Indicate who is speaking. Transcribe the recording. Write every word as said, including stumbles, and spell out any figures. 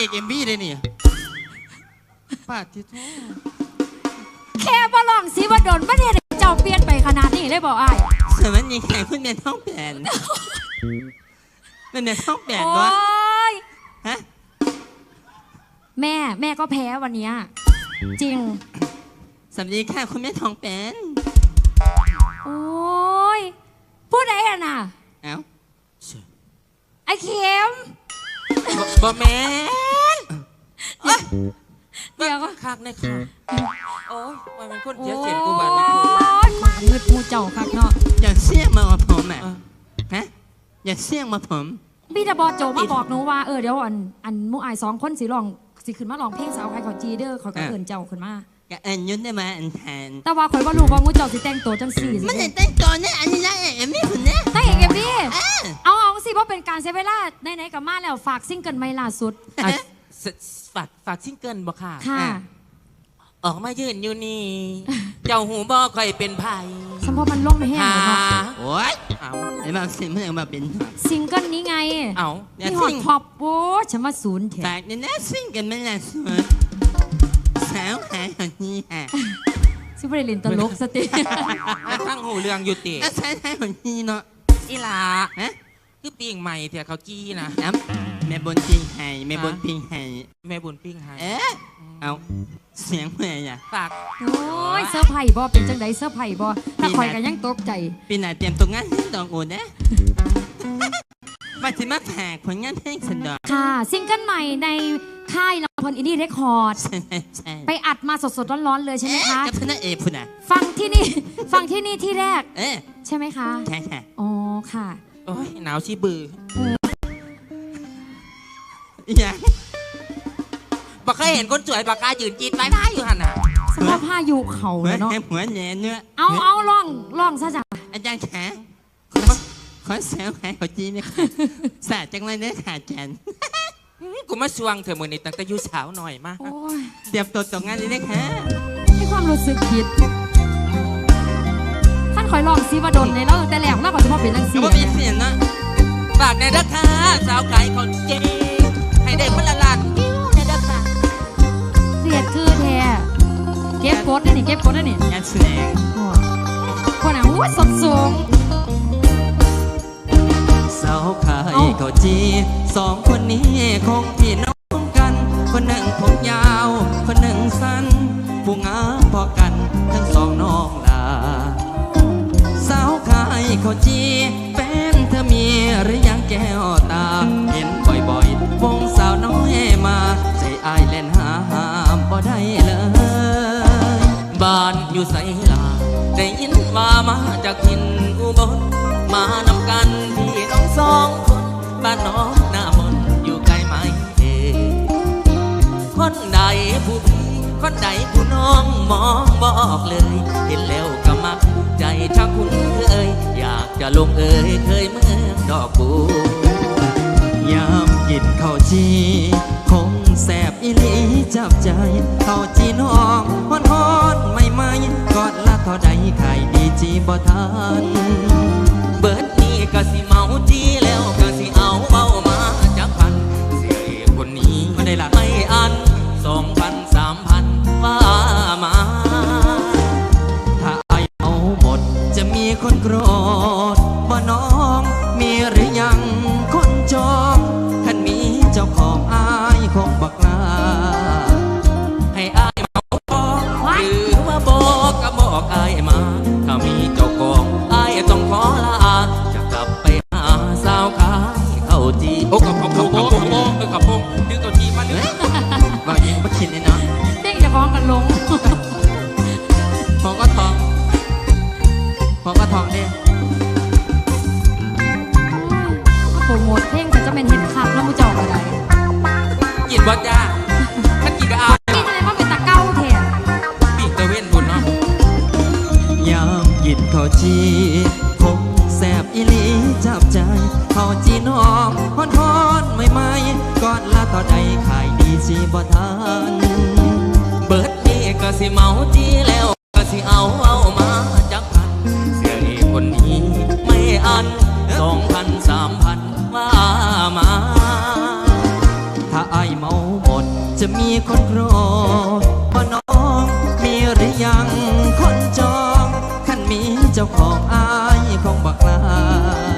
Speaker 1: อกเอ็มบีเลยนี่ป้าที่ท้อ
Speaker 2: แค่บอลองสิว่าโดนประเทศเจ้าเปลี่ยนไปขนาดนี้เลยบอกอ้าย
Speaker 1: สมัยนี้แข่งคุณแม่ท้องแปลนมันแม่ท้องแปลนวะฮะ
Speaker 2: แม่แม่ก็แพ้วันนี้จริง
Speaker 1: สวัสดีค่ะคุณแม่ท้องแปลน
Speaker 2: โอ้ยพูดอะไรอ่ะน่ะ
Speaker 1: เอ้า
Speaker 2: ไอ้เข็ม
Speaker 3: บ่แม่
Speaker 2: เดี๋ยวก็
Speaker 3: คักในค่ะโอ้ยมันเป็นคนเสียเสียงกูบ้านนะ
Speaker 2: มาเงืดมูเจ้าคักเนาะ
Speaker 1: อย่าเสี่ยงมาว่าผมอ่ะฮะอย่าเสี่ยงมาผม
Speaker 2: พี่ตาบอโจมาบอกหนูว่าเออเดี๋ยวอันอันมูอายสองคนสิลองสิขึ้นมาลองเพลงสาวใครขอจีเด้อเขาก็เอิญเจ้าขึ้นมา
Speaker 1: ก็เอิญยุ่นได้มาอันแทน
Speaker 2: แต่ว่าข่อยว่ารู้ว่ามูเจ้าสิแต่งตัวจังสี่
Speaker 1: มันจะแต่งตัวเนี่ยอันนี้นะเอ็มมี่คนเนี้ย
Speaker 2: แต่เอกเอ็มมี่เอาเอาสิเพราะเป็นการเซเวล่าในไหนกับมาแล้วฝากซิงเกิลใหม่ล่าสุด
Speaker 3: ฝากฝากซิงเกิลบ่ค่ะ
Speaker 2: ค่ะ
Speaker 3: ออกมายืนอยู่นี่เจ้าหูบ่ค่อยเป็นไผ่
Speaker 2: สมพอมันลงไม่แห้งเลยเนาะ
Speaker 1: โอ้ยเอาไอ้มาซิงเมื่อมาเป็น
Speaker 2: ซิงเกิลนี้ไง
Speaker 3: เอา
Speaker 2: ที่ฮอตพอปโว้ฉันมาศูนย์แถ
Speaker 1: ฝากเนี่ยนะซิงเกิลไม่ล่าสุดสาวหายคนนี้ฮะ
Speaker 2: ซิบริลินตลกสติ
Speaker 3: ทั้งหูเรื่องอยู่ติ
Speaker 1: สาวหายคนนี้เนาะ
Speaker 3: อีหลาฮะคือปิ้งใหม่เถอะเขาจี้นะ
Speaker 1: แม่บนปิ้งไห้แม่บนปิ้งไห้
Speaker 3: แม่บนปิ้งไห้
Speaker 1: เอ๊ะเอาเสียงแม่อ่ะ
Speaker 3: ฝาก
Speaker 2: โอ้ยเสื้อไผ่บ่เป็นจังไดเสื้อไผ่บ่ถ้าคอยกันยังตกใจ
Speaker 1: ปีหน้าเตรียมตัวงานดอกโอนนะมาถึงมาแผกผลงานเพลงสันดอก
Speaker 2: ค่ะซิงเกิลใหม่ในค่ายลำพลอินดี้เรคคอร์ดไปอัดมาสดๆร้อนๆเลยใช่ไหมคะ
Speaker 1: กับพนักเอกพุ่นอ่ะ
Speaker 2: ฟังที่นี่ฟังที่นี่ที่แรก
Speaker 1: เอ๊ะ
Speaker 2: ใช่ไหมคะ
Speaker 1: ใช่ค่ะ
Speaker 2: อ๋อค่ะ
Speaker 3: โอ้ยหนาวชีบือ
Speaker 1: ยัง
Speaker 3: บักเคยเห็นคนสวยบักกายืนจีดไม้ไม้อยู่หันอ่ะ
Speaker 2: สภาพผ้าอยู่เขาเนาะ
Speaker 1: หัวแหนเนื้อ
Speaker 2: เอาเอาล่องล่องซะจ้ะ
Speaker 1: อาจารย์แขกขอแซวแขกขอจีเนี่ยสาจังเลยเนี่ยขาจัน
Speaker 3: กูมาสวงเธอมือนี่ตั้งแต่ยูสาวหน่อยมาก
Speaker 1: เตรียมตัวตกงานเลยนะค่ะ
Speaker 2: ให้ความรู้สึกผิดท่านคอยลองซีมาดนในแล้วแต่แหลมมากกว่าจะมาเป็นนักเสียง
Speaker 1: ก็มีเสียงนะ
Speaker 3: ฝากในราคาสาวไก่คนเจ๊ให้ได้คนละล้านกิ้วในราคา
Speaker 2: เสียดคือแท้เก็บกดได้นี่เก็บกดได้นี่
Speaker 1: งานแสดง
Speaker 2: คนอ่ะอู้สดสูง
Speaker 1: สาวไก่เขาจีสองคนนี้คงพี่น้องกันคนหนึ่งผมยาวคนหนึ่งสั้นผู้งามพอกันทั้งสองน้องลาสาวไก่เขาจีแฟนเธอมีหรือยังแก้วตาเห็นบ่อยๆวงสาวน้อยมาใจอายเล่นหาหามบ่ได้เลย
Speaker 3: บ้านอยู่ไสลาได้ยินว่ามาจากถิ่นอุบลมานำกันพี่น้องสองคนบ้านน้องหน้ามนอยู่ไกลไหมเอ่ยคนใดผู้พี่คนใดผู้น้องมองบอกเลยเห็นแล้วก็มักใจชักคุ้นเคยอยากจะลงเอ่ยเคยเมืองดอกบั
Speaker 1: วยามกินข้าวจีคงแสบอีหลีจับใจข้าวจีน้องฮอนฮอนไม่ไม่กอดละเท่าใดไข่ดีจีบ่ทัน
Speaker 3: เบิดนี้ก็สิเมาจีแล้วก็สิเอาเบามาจากพันเสียคนนี้ไม่ได้ละไม่อันสองพันสามพันว่ามา
Speaker 1: ถ้าไอเอาหมดจะมีคนโกรธบ่น้องมีหรือยังคนจองคันมีเจ้าของอายคงบักลา
Speaker 3: ให้อายเมาบอกหรือว่าบอกก็บอกอายมาถ้ามีเจ้าของอายต้องขอลาจะกลับไปหาสาวขายเข้าจีโอ้กับกับกับกับกับกับพงดึงตัวจีมาเลย
Speaker 1: ว่ายังไม่คิดเลยเนาะ
Speaker 2: เด้งจะฟ้องกันลง
Speaker 1: พอก็ทองพอก็ทองเนี่ย
Speaker 2: โปรโมทเพลงแต่จะเป็นเห็นคับแล้วมูจอกอะไร
Speaker 3: กินบอจ้าถ้ากินก็เอา
Speaker 2: กินอะไรมาเป็นตะเก้าแทน
Speaker 3: ปีกตะเว้นบุญเนาะ
Speaker 1: ยามกินข้าวจีคงแสบอีหลีจับใจข้าวจีน้องฮอนฮอนไม่ไม่กอดละต่อใดขายดีจีบ่ทัน
Speaker 3: เบิดนี้ก็สิเมาจีแล้วก็สิเอาเอามาจากพันเสียอีคนนี้ไม่อันสองพันสามพันว่ามา
Speaker 1: ถ้าไอเมาหจะมีคนรอบ่น้องมีหรือยังคนจองขันมีเจ้าของอายคงบอกลา